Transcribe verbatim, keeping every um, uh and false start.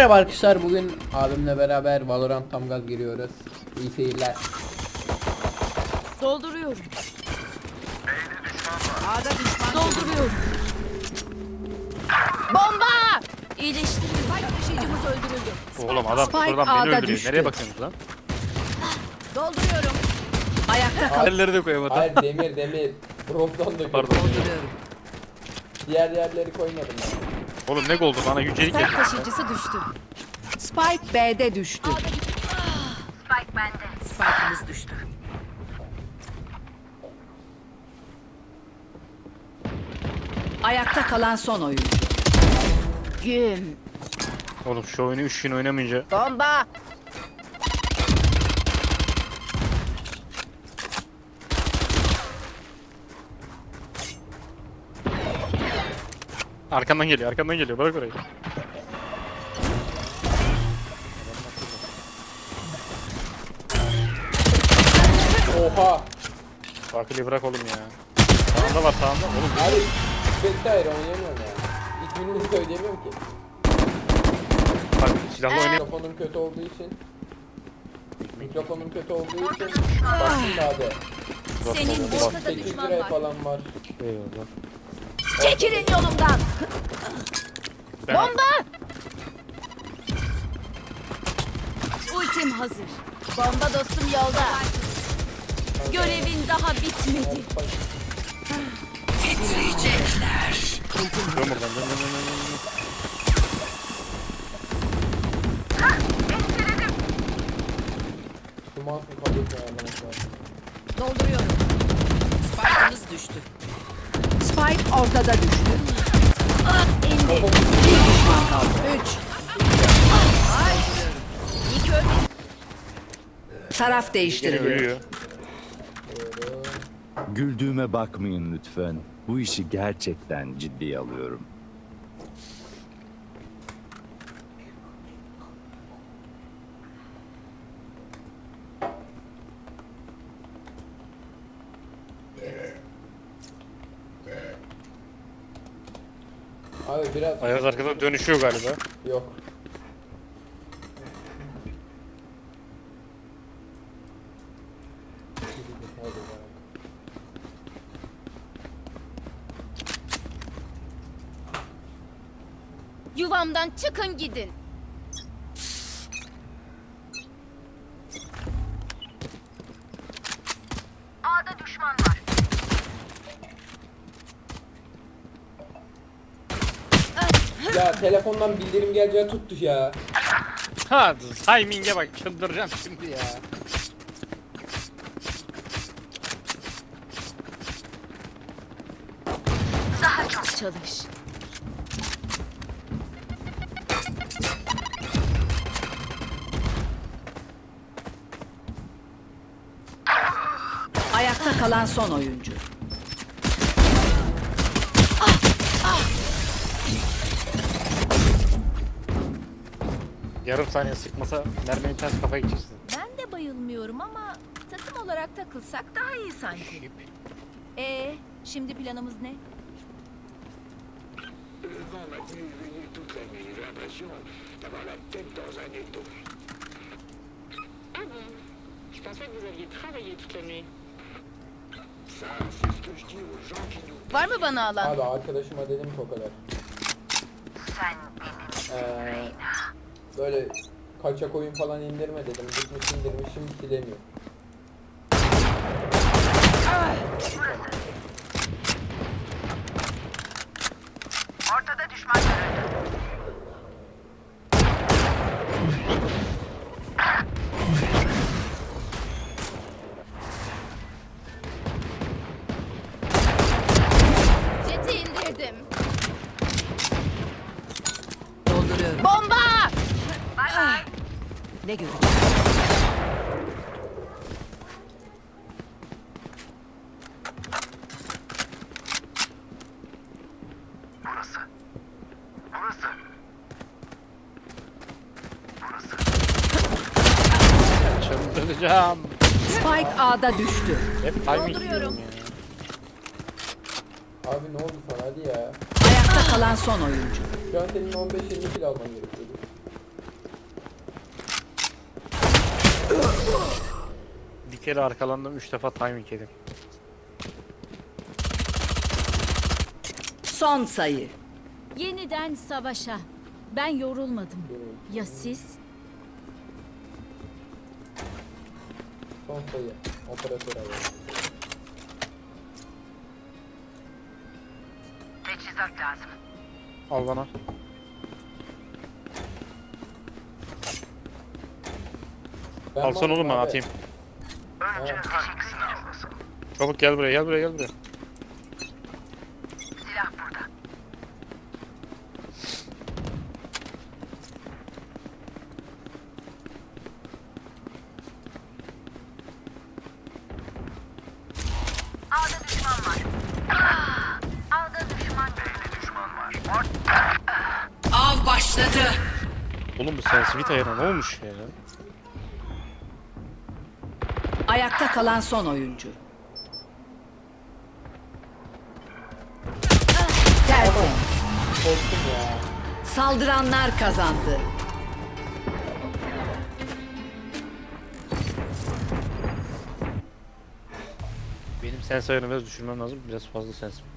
Merhaba arkadaşlar, bugün abimle beraber Valorant tam gaz giriyoruz. İyi seyirler. Dolduruyorum. A'da düşman dolduruyorum. Bomba! İyileştiriyorum. Spike taşıyıcımız öldürüldü. Oğlum adam Spike buradan beni A'da öldürüyor. düştü. Nereye bakıyorsunuz lan? Dolduruyorum. Ayakta kal. Elleri de koyamadım. Hayır, demir demir. Bronzdan da Pardon. Dolduruyorum. Diğer yerleri koymadım ben. Oğlum ne oldu bana yücelik Spike geldi. taşıyıcısı düştü. Spike B'de düştü. Spike bende. Spike'ımız düştü. Ayakta kalan son oyuncu. Güm. Oğlum şu oyunu üç gün oynamayınca. Bomba! Arkandan geliyor arkandan geliyor bırak orayı. Oha! Fakili bırak oğlum ya. Sağında var sağında. Oğlum Abi Spectre oynayamıyorum ya. İsmini söyleyemiyorum ki. bak silahla oynayayım. Mikrofonum kötü olduğu için. Mikrofonum kötü olduğu için. Baktım da abi. Senin burada sekiz düşman liraya var. falan var. Eyvallah. Çekilin yolumdan. Ben- Bomba! Ultim hazır. Bomba dostum yolda. Görevin daha bitmedi. Titriyecekler. Dön buradan dön dön dön dön, dön. Şu mouse'un kablosunu ayarlamak lazım. Dolduruyorum. Spike'ımız düştü. Spike ortada düştü. İndi. Bir düşman kaldı. Üç. Ay. İyi ki ölmedi. Taraf Gene değiştiriliyor. ölüyor. Güldüğüme bakmayın lütfen. Bu işi gerçekten ciddiye alıyorum. Abi biraz Ayaz arkada dönüşüyor galiba. yok. Yuvamdan çıkın gidin. A'da düşman var. Ya telefondan bildirim geleceği tuttu ya. Ha timing'e bak çıldıracağım şimdi ya. Daha çok çalış. Ayakta kalan son oyuncu. Yarım saniye sıkmasa mermiyi ters kafaya geçirsin. Ben de bayılmıyorum ama takım olarak takılsak daha iyi sanki. Ee, şimdi planımız ne? Le vent m'a tenu éveillé toute la nuit. J'ai l'impression d'avoir la tête dans un étau. Ah bon? Je pensais que vous aviez travaillé toute la nuit. Ça, c'est ce que je dis aux gens qui nous... Var mı bana alan? Abi arkadaşıma dedim ki o kadar. Ee, böyle kaçak oyun falan indirme dedim. Gitmiş indirmişim silemiyor. Ortada düşman görüldü. Jeti indirdim. Dolduruyorum. Bomba! Ne görecek? Burası. Burası. Çıldıracağım. Spike A'da düştü. Hep timing Dolduruyorum. diyorum ya. Abi ne oldu sana hadi ya. Ayakta kalan son oyuncu. Şu an senin on beş yirmi kilo alman gerekiyordu. kere arkalandım, üç defa timing yedim. Son sayı. Yeniden savaşa. Ben yorulmadım. Ya siz? Son sayı. Operatör ayı. Al bana. Ben Alsan varım oğlum ben abi. atayım. Ha, Çabuk gel buraya, gel buraya, gel buraya. Av başladı. Oğlum bu sensitivite ayarı ne olmuş ya? Ayakta kalan son oyuncu. Tertemiz. korktum ya. Saldıranlar kazandı. Benim sens ayarını biraz düşürmem lazım. Biraz fazla sens.